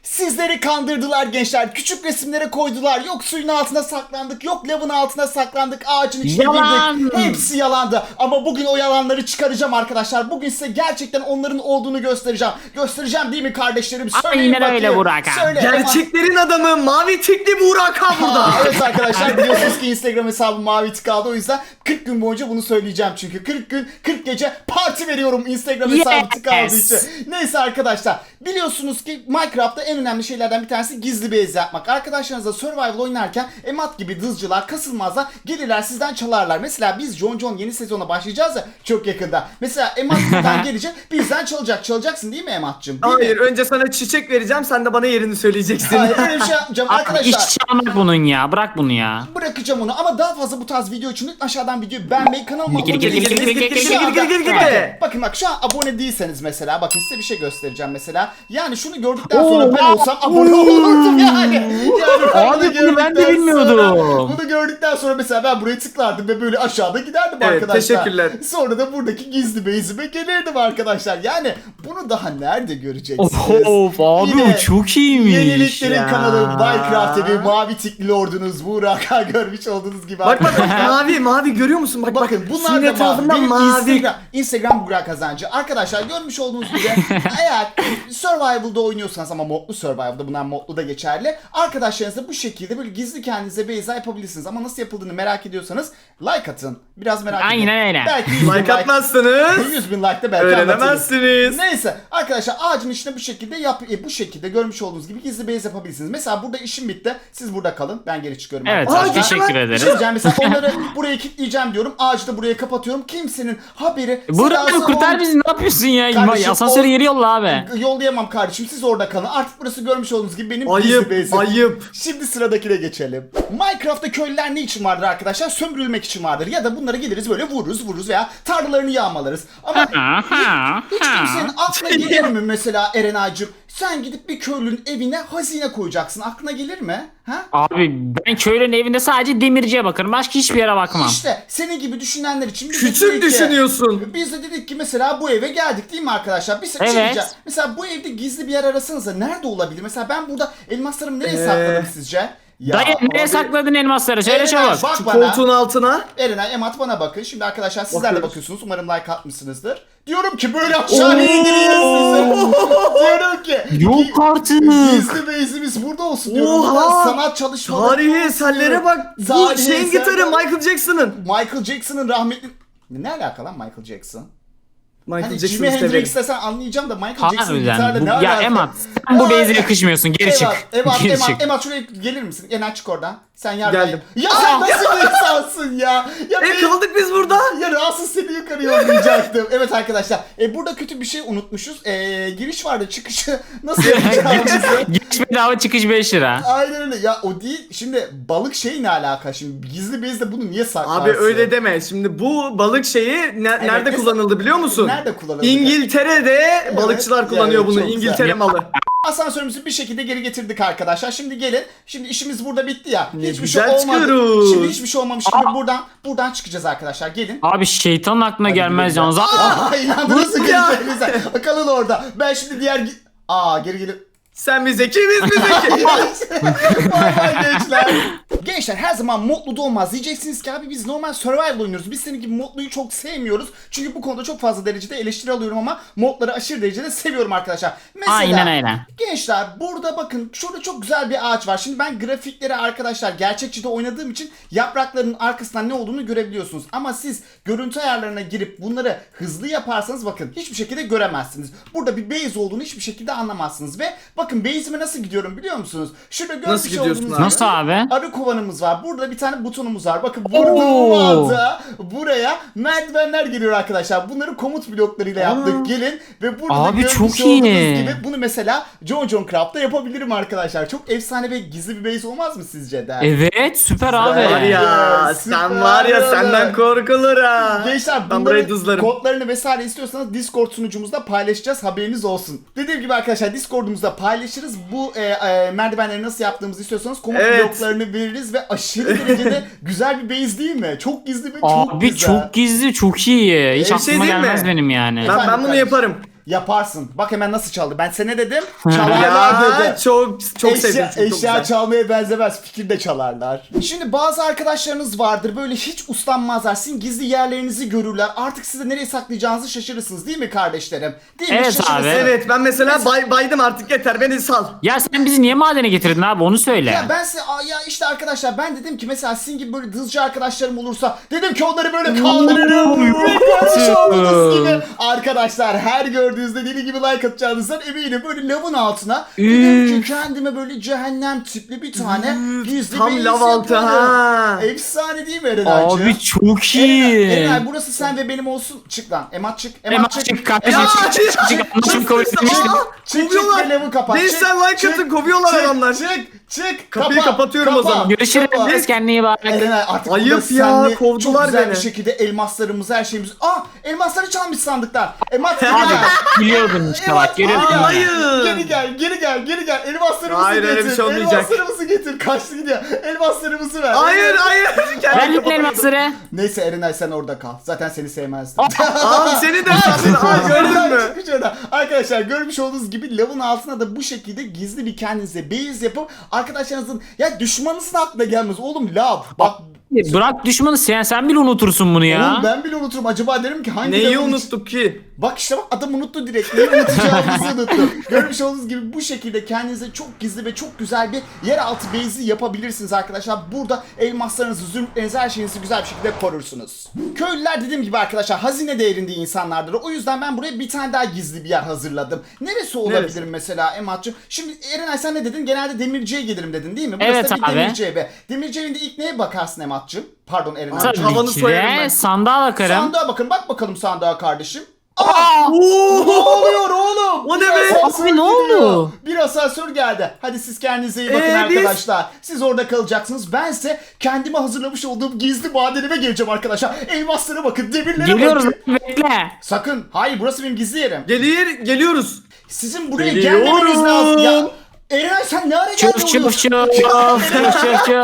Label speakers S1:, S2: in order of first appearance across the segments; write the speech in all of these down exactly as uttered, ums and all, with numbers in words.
S1: Sizleri kandırdılar gençler. Küçük resimlere koydular. Yok suyun altına saklandık. Yok lavın altına saklandık. Ağacın içine
S2: Yalan.
S1: girdik. Hepsi yalandı. Ama bugün o yalanları çıkaracağım arkadaşlar. Bugün size gerçekten onların olduğunu göstereceğim. Göstereceğim değil mi kardeşlerim? Söyleyin
S2: Aynen öyle
S1: bakayım.
S2: Burak abi.
S1: Söyle.
S3: Gerçeklerin adamı mavi tikli Burak Han burada.
S1: Aa, evet arkadaşlar biliyorsunuz ki Instagram hesabım mavi tık aldı. O yüzden kırk gün boyunca bunu söyleyeceğim çünkü. kırk gün kırk gece parti veriyorum Instagram hesabı tık aldığı
S2: Yes.
S1: için. Neyse arkadaşlar biliyorsunuz ki Minecraft'ta en önemli şeylerden bir tanesi gizli base yapmak. Arkadaşlarınızla survival oynarken emat gibi dızcılar kasılmazlar gelirler sizden çalarlar. Mesela biz John John yeni sezona başlayacağız ya çok yakında. Mesela emat buradan gelecek bizden çalacak. Çalacaksın değil mi emat'cığım? Değil
S3: Hayır
S1: mi?
S3: önce sana çiçek vereceğim sen de bana yerini söyleyeceksin.
S1: Hayır öyle bir şey yapmayacağım
S2: Abi
S1: arkadaşlar.
S2: iş çalmak bunun ya. Bırak bunu ya.
S1: Bırakacağım onu ama daha fazla bu tarz video için lütfen aşağıdan videoyu beğenmeyi, kanalıma
S2: Gir,
S1: abone
S2: gir, gir,
S1: değilseniz
S2: gir, gir, gir,
S1: şu
S2: gir,
S1: anda-
S3: gir, gir, gir,
S1: Bakın,
S3: gir.
S1: bakın bak şu an abone değilseniz mesela bakın size bir şey göstereceğim mesela. Yani şunu gördükten sonra ben olsam abone olurdum yani. Yani ben
S2: Abi
S1: bunu
S2: bunu ben de
S1: gördükten
S2: bilmiyordum.
S1: sonra- Bunu gördükten sonra mesela ben buraya tıklardım ve böyle aşağıda giderdim
S3: Evet,
S1: arkadaşlar.
S3: teşekkürler.
S1: Sonra da buradaki gizli base'ime gelirdim arkadaşlar. Yani bunu daha nerede göreceksiniz?
S2: Of abi
S1: Yine
S2: çok iyiymiş
S1: Yeniliklerin
S2: ya.
S1: kanalı Minecraft T V mavi tikli lordunuz Burak'a görmüş olduğunuz gibi.
S3: Bak bak
S1: arkadaşlar.
S3: mavi mavi görüyor musun? Bak
S1: Bakın
S3: bak.
S1: bunlar
S3: Senin
S1: da mavi.
S3: etrafından
S1: Benim
S3: mavi.
S1: Instagram, Instagram Burak Kazancı. Arkadaşlar görmüş olduğunuz gibi eğer Survival'da oynuyorsanız ama modlu Survival'da bunlar modlu da geçerli. Arkadaşlarınızla bu şekilde böyle gizli kendinize base yapabilirsiniz. Ama nasıl yapıldığını merak ediyorsanız like atın. Biraz merak edin.
S2: Aynen öyle.
S1: Belki yüz bin
S3: Like atmazsınız.
S1: yüz bin like da belki anlatırız.
S3: Öğrenemezsiniz.
S1: Neyse arkadaşlar ağacın içine bu şekilde yap e, bu şekilde görmüş olduğunuz gibi gizli base yapabilirsiniz. Mesela burada işim bitti. Siz burada kalın. Ben geri çıkıyorum.
S2: Evet
S1: arkadaşlar.
S2: abi, teşekkür
S1: Bir şey
S2: ederim.
S1: diyeceğim. Mesela onları buraya kilitleyeceğim diyorum. Ağacı da buraya kapatıyorum. Kimsenin haberi.
S2: Burak
S1: sedası
S2: abi kurtar
S1: ol-
S2: bizi, ne yapıyorsun ya?
S1: Kardeşim,
S2: Asansörü
S1: o-
S2: geri yolla abi.
S1: Yollayamam kardeşim. Siz orada kalın. Artık burası görmüş olduğunuz gibi benim
S3: Ayıp,
S1: gizli base'im.
S3: ayıp.
S1: Şimdi sıradakine geçelim. Minecraft'ta köylüler ne için vardır arkadaşlar? Sömürülmek için vardır. Ya da bunları geliriz böyle vururuz vururuz veya tarlalarını yağmalarız. Ama
S2: Ha, ha,
S1: hiç
S2: ha.
S1: kimsenin aklına gelir mi mesela Eren Ağacım? Sen gidip bir köylünün evine hazine koyacaksın. Aklına gelir mi? Ha?
S2: Abi ben köylünün evinde sadece demirciye bakarım. Başka hiçbir yere bakmam.
S1: İşte senin gibi düşünenler için biz de
S3: Küçük
S1: dedik ki-
S3: düşünüyorsun.
S1: Biz de dedik ki mesela bu eve geldik değil mi arkadaşlar? Bir şey
S2: Evet.
S1: diyeceğim. Mesela bu evde gizli bir yer arasanıza nerede olabilir? Mesela ben burada elmaslarımı nereye
S3: Ee,
S1: sakladım sizce? Ya
S2: Dayı nereye
S1: abi-
S2: sakladın elmasları? Söyle
S1: Eren
S2: çabuk.
S1: Ağaç, bak
S3: Şu
S1: bana.
S3: koltuğun altına.
S1: Eren Emat bana bakın. Şimdi arkadaşlar sizler de
S3: Bakıyoruz.
S1: bakıyorsunuz. Umarım like atmışsınızdır. Diyorum ki böyle aşağıya indireyim sizi. Diyorum ki.
S2: Yok artık.
S1: Gizli base'imiz burada olsun diyorum.
S3: Oha!
S1: Burada sanat çalışmaları.
S3: Tarihi eserlere bak. Bu
S1: Tarihi
S3: şeyin
S1: eserler.
S3: gitarı Michael Jackson'ın.
S1: Michael Jackson'ın rahmetli... Ne alaka lan Michael Jackson?
S3: Michael
S1: Hani Jimi
S3: Jackson'ı
S1: Hendrix
S3: severim.
S1: desen anlayacağım da Michael Jackson'ın gitarla
S2: Harbiden.
S1: ne
S2: Bu, ya
S1: alaka?
S2: Emat sen bu
S1: Aa,
S2: base'e yakışmıyorsun. Geri çık.
S1: Emat, Emat,
S2: Geri
S1: Emat,
S2: çık.
S1: Emat şuraya gelir misin? Ener çık oradan. Sen yardım
S3: Geldim.
S1: Ya sen nasıl bir insansın ya? Ya
S3: E
S1: ben-
S3: kaldık biz burada.
S1: Ya rahatsız seni yukarı yollayacaktım. Evet arkadaşlar. E, burada kötü bir şey unutmuşuz. E, giriş vardı çıkışı nasıl yapacağımızı.
S2: Giriş bedava, çıkış beş lira.
S1: Aynen öyle. Ya o değil. Şimdi balık şey ne alaka? Şimdi gizli bezde bunu niye saklarsın?
S3: Abi öyle deme. Şimdi bu balık şeyi ne- nerede
S1: mesela-
S3: kullanıldı biliyor musun?
S1: Nerede kullanıldı?
S3: İngiltere'de balıkçılar kullanıyor
S1: evet,
S3: bunu.
S1: çok
S3: İngiltere
S1: güzel.
S3: malı.
S1: Asansörümüzü bir şekilde geri getirdik arkadaşlar. Şimdi gelin. Şimdi işimiz burada bitti ya.
S3: Ne
S1: hiçbir
S3: güzel
S1: şey olmadı.
S3: çıkıyoruz.
S1: Şimdi hiçbir şey olmamış gibi buradan buradan çıkacağız arkadaşlar. Gelin.
S2: Abi şeytanın aklına gelmez
S1: Hadi
S2: yalnız.
S1: Aa, inandınız mı
S3: Bu ya.
S1: geleceğinize? Kalın orada. Ben şimdi diğer... gi- Aa geri gelip...
S3: Sen bize ki biz bize ki.
S1: Vay vay gençler. Gençler her zaman modlu da olmaz. Diyeceksiniz ki abi biz normal survival oynuyoruz. Biz senin gibi modluyu çok sevmiyoruz. Çünkü bu konuda çok fazla derecede eleştiri alıyorum ama modları aşırı derecede seviyorum arkadaşlar. Mesela
S2: Aynen öyle.
S1: gençler burada bakın şurada çok güzel bir ağaç var. Şimdi ben grafikleri arkadaşlar gerçekçide oynadığım için yapraklarının arkasından ne olduğunu görebiliyorsunuz. Ama siz görüntü ayarlarına girip bunları hızlı yaparsanız bakın hiçbir şekilde göremezsiniz. Burada bir base olduğunu hiçbir şekilde anlamazsınız. Ve bakın base'ime nasıl gidiyorum biliyor musunuz? Şurada görmüş
S3: Nasıl gidiyorsun
S1: olduğunuz
S3: abi?
S1: gibi
S2: Nasıl abi?
S1: arı kovanımız var. Burada bir tane butonumuz var. Bakın vurduğum anda buraya merdivenler geliyor arkadaşlar. Bunları komut bloklarıyla yaptık.
S3: Aa.
S1: Gelin ve burada
S2: Abi
S1: görmüş
S2: çok
S1: olduğunuz
S2: iyi.
S1: gibi bunu mesela John John Craft'ta yapabilirim arkadaşlar. Çok efsane ve gizli bir base olmaz mı sizce de?
S2: Evet süper
S1: Süper.
S2: abi.
S3: Var ya
S1: Süper
S3: sen var ya
S1: oğlum.
S3: senden korkulur ha.
S1: Gençler
S3: Ben burayı
S1: bunların
S3: dızlarım.
S1: kodlarını vesaire istiyorsanız Discord sunucumuzda paylaşacağız, haberiniz olsun. Dediğim gibi arkadaşlar Discord'umuzda paylaşırız. Bu e, e, merdivenleri nasıl yaptığımızı istiyorsanız komut
S3: Evet.
S1: bloklarını veririz ve aşırı derecede güzel bir base değil mi? Çok gizli ve çok
S2: Abi
S1: güzel.
S2: çok gizli, çok iyi. Hiç
S3: Bir şey
S2: aklıma
S3: diyeyim mi?
S2: gelmez benim yani.
S3: Ben,
S1: Efendim
S3: ben bunu
S1: kardeşim.
S3: yaparım.
S1: Yaparsın. Bak hemen nasıl çaldı. Ben sana ne dedim? Çalarlar
S3: Ya
S1: dedim.
S3: çok çok
S1: eşya,
S3: sevdim. Çok, çok
S1: eşya
S3: güzel.
S1: çalmaya benzemez. Fikir de çalarlar. Şimdi bazı arkadaşlarınız vardır. Böyle hiç uslanmazlar. Sizin gizli yerlerinizi görürler. Artık size nereye saklayacağınızı şaşırırsınız. Değil mi kardeşlerim? Değil mi?
S2: Evet
S1: Şaşırırsınız.
S2: abi.
S3: Evet ben mesela bay, baydım artık yeter beni sal.
S2: Ya sen bizi niye madene getirdin abi onu söyle.
S1: Ya ben size aa, ya işte arkadaşlar ben dedim ki mesela sizin gibi böyle hızcı arkadaşlarım olursa dedim ki onları böyle kaldırırım. Ve görmüş olduğunuz gibi arkadaşlar her gördüğünüzde deli gibi like atacağınızdan eminim. Böyle lavın altına dedim ki kendime böyle cehennem tipli bir tane gizli
S3: Tam
S1: bir
S3: lav
S1: iz
S3: altı
S1: yaparım.
S3: ha.
S1: Efsane değil mi Erenaycığım?
S2: Abi çok iyi.
S1: Erenay, Erenay burası sen ve benim olsun. Çık lan. Emat çık. Emat,
S2: Emat
S1: çık.
S2: çık kardeşim
S1: Emat
S2: çık çık çık çık. Anlaşım kabul etmiştim.
S1: Çık çık
S3: Kovuyorlar.
S1: ve lavı kapat.
S3: Gençler
S1: Çık,
S3: like
S1: çık,
S3: atın, kovuyorlar
S1: çık,
S3: adamlar.
S1: Çık çık.
S3: Kapıyı
S1: Kapa,
S3: kapatıyorum o
S1: kapa,
S3: zaman.
S2: Görüşürüz.
S1: kapa.
S2: Kendine iyi bak.
S1: Erenay artık
S3: Ayıp
S1: burada
S3: ya,
S1: seninle çok
S3: kovdular
S1: güzel
S3: beni.
S1: bir şekilde elmaslarımızı her şeyimizi... Aa elmasları çalmış sandıklar. Emat geri
S2: Abi
S1: gel.
S2: biliyordun işte bak
S1: Emat,
S2: görüyordun.
S1: geri gel.
S2: ya.
S3: Hayır.
S1: Geri gel geri gel geri gel. Elmaslarımızı
S3: Hayır,
S1: getir.
S3: öyle bir şey olmayacak.
S1: Elmaslarımızı getir. Kaçtı gidiyor. Elmaslarımızı ver.
S3: Hayır hayır. Kendimi
S2: Ver lan
S3: kapatamıyorum.
S2: elmasları.
S1: Neyse Erenay sen orada kal. Zaten seni sevmezdim.
S3: Abi seni de sandın. Aa, gördün mü?
S1: Çıkmış oradan. Arkadaşlar görmüş olduğunuz gibi lavın altına da bu şekilde gizli bir kendinize base yapıp arkadaşlarınızın ya düşmanınızın aklına gelmez. Oğlum lav. Bak
S2: Bırak düşmanı sen sen bile unutursun bunu ya.
S1: oğlum ben bile unuturum. Acaba derim ki hangi
S3: Neyi
S1: lavın iç-
S3: unuttuk ki?
S1: Bak işte bak adam unuttu direkt. Neyi unutacağımızı unuttu. Görmüş olduğunuz gibi bu şekilde kendinize çok gizli ve çok güzel bir yeraltı base'i yapabilirsiniz arkadaşlar. Burada elmaslarınızı, zümrütlerinizi, her şeyinizi güzel bir şekilde korursunuz. Köylüler dediğim gibi arkadaşlar hazine değerinde insanlardır. O yüzden ben buraya bir tane daha gizli bir yer hazırladım. Neresi olabilir
S3: Neresi?
S1: mesela Emat'cığım? Şimdi Erenay sen ne dedin? Genelde demirciye gelirim dedin değil mi? Burası
S2: Evet
S1: da bir
S2: abi.
S1: demirci evi. Demirci evinde ilk neye bakarsın Emat'cığım? Pardon Erenay'cığım.
S2: Tabii
S3: Havanı
S2: ki
S3: soyarım
S2: de
S3: ben.
S2: sandığa bakarım.
S1: Sandığa bakın. Bak bakalım sandığa kardeşim. Aa!
S2: Aa!
S1: Ne oluyor oğlum?
S3: O ne
S1: Bir
S3: be?
S1: asansör
S2: Abi ne
S1: gidiyor.
S2: oldu?
S1: Bir asansör geldi. Hadi siz kendinize iyi bakın
S3: Ee, biz-
S1: arkadaşlar. Siz orada kalacaksınız. Bense kendime hazırlamış olduğum gizli madenime geleceğim arkadaşlar. Elmaslara bakın, demirlere
S2: Geliyoruz
S1: bakın.
S2: bekle.
S1: Sakın. Hayır burası benim gizli yerim.
S3: Gelir geliyoruz.
S1: Sizin buraya
S3: Geliyorum.
S1: gelmemeniz lazım. Ya Eren sen ne ara geldin?
S2: Çuf çuf
S1: oğlum?
S2: çuf çuf çuf çuf.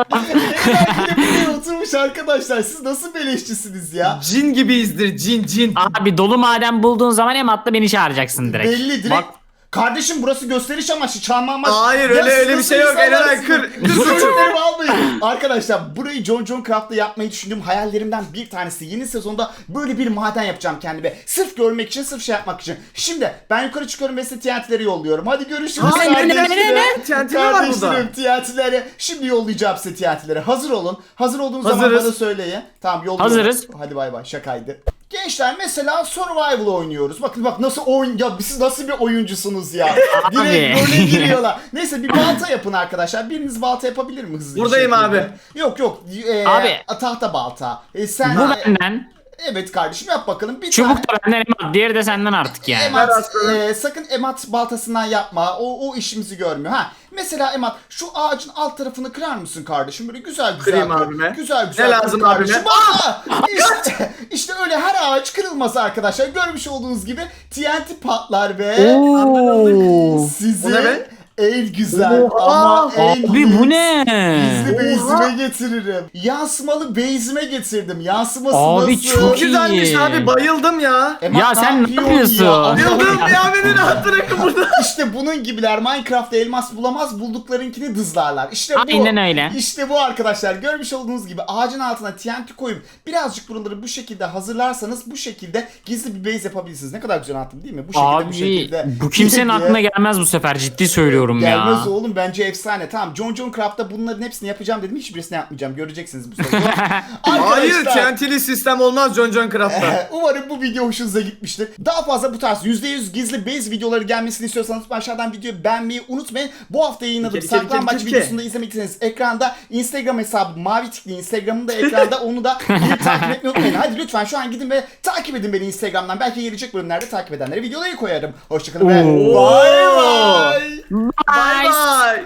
S1: Eren bir de oturmuş arkadaşlar. Siz nasıl beleşçisiniz ya?
S3: Cin gibiyizdir cin cin.
S2: Abi dolu maden bulduğun zaman Emat'la beni çağıracaksın direkt.
S1: Belli direkt.
S2: Bak,
S1: Kardeşim burası gösteriş amaçlı, çalma amaçlı.
S3: Hayır,
S1: Ya
S3: öyle-
S1: siz
S3: öyle bir
S1: nasıl
S3: şey yok.
S1: insanlarsınız?
S3: Erenay, kır- kır suçu.
S1: Zümrütlerimi almayın. Arkadaşlar burayı John John Craft'ta yapmayı düşündüğüm hayallerimden bir tanesi. Yeni sezonda böyle bir maden yapacağım kendime. Sırf görmek için, sırf şey yapmak için. Şimdi ben yukarı çıkıyorum ve size T N T'leri yolluyorum. Hadi görüşürüz.
S2: Hayır, ne, ne, ne,
S1: kardeşlerim.
S2: ne?
S3: T N T mi var burada?
S1: Kardeşlerim, T N T'leri. Şimdi yollayacağım size T N T'leri. Hazır olun. Hazır olduğunuz zaman
S3: Hazırız.
S1: bana söyleyin. Tamam yolluyorum.
S2: Hazırız.
S1: Hadi bay bay, şakaydı. Gençler mesela survival oynuyoruz. Bakın bak nasıl oyun ya siz nasıl bir oyuncusunuz ya. Direkt
S2: Abi.
S1: böyle giriyorlar. Neyse bir balta yapın arkadaşlar. Biriniz balta yapabilir mi hızlı bir
S3: Buradayım
S1: şekilde?
S3: abi.
S1: Yok yok. Ee,
S2: Abi.
S1: Tahta balta. Ee, sen
S2: bu benden.
S1: Evet kardeşim yap bakalım. Bir
S2: Çubuk
S1: tane.
S2: da benden Emat. Diğeri de senden artık yani.
S1: Emat,
S3: Ver aslanım.
S1: e, sakın Emat baltasından yapma. O, o işimizi görmüyor. Ha. Mesela Emat şu ağacın alt tarafını kırar mısın kardeşim? Böyle güzel güzel.
S3: Kırayım
S1: kır.
S3: abime.
S1: Güzel güzel.
S3: Ne
S1: kır
S3: lazım
S1: kardeşim.
S3: abime?
S1: Aa! İşte, işte öyle her ağaç kırılmaz arkadaşlar. Görmüş olduğunuz gibi T N T patlar ve
S2: Oo.
S1: sizi
S3: O ne be?
S1: en güzel
S3: Oha!
S1: ama en
S2: Abi bu ne?
S1: gizli
S3: Oha!
S1: base'ime getiririm. Yansımalı base'ime getirdim. Yansıması
S2: Abi
S1: nasıl?
S2: çok
S3: Çok güzelmiş
S2: iyi.
S3: abi bayıldım ya.
S1: Emat,
S2: Ya sen ne yapıyorsun?
S1: Allah
S3: Bayıldım
S1: Allah.
S3: ya beni rahat bırakın burada.
S1: İşte bunun gibiler Minecraft'ta elmas bulamaz, bulduklarınkini dızlarlar. İşte bu.
S2: Aynen öyle.
S1: İşte bu arkadaşlar. Görmüş olduğunuz gibi ağacın altına T N T koyup birazcık buraları bu şekilde hazırlarsanız bu şekilde gizli bir base yapabilirsiniz. Ne kadar güzel anlattım değil mi? Bu şekilde bu
S2: Abi
S1: şekilde.
S2: bu kimsenin aklına gelmez bu sefer ciddi söylüyorum ya.
S1: Gelmez oğlum bence efsane. Tamam John John Craft'ta bunların hepsini yapacağım dedim. Hiçbirisini yapmayacağım. Göreceksiniz bu sezon.
S3: Hayır T N T'li sistem olmaz John John Craft'ta.
S1: Ee, Umarım bu video hoşunuza gitmiştir. Daha fazla bu tarz yüzde yüz gizli base videoları gelmesini istiyorsanız aşağıdan videoyu beğenmeyi unutmayın. Bu hafta yayınladığım
S3: Kere, kere,
S1: saklambaç
S3: kere, kere.
S1: videosunu da izlemek isterseniz ekranda Instagram hesabı mavi tikli Instagram'ın da ekranda onu da gidip takip etmeyi unutmayın. Hadi lütfen şu an gidin ve takip edin beni Instagram'dan. Belki gelecek bölümlerde takip edenlere videoları koyarım. Hoşçakalın ve
S2: Oo.
S1: bay bay.
S3: Bye bye.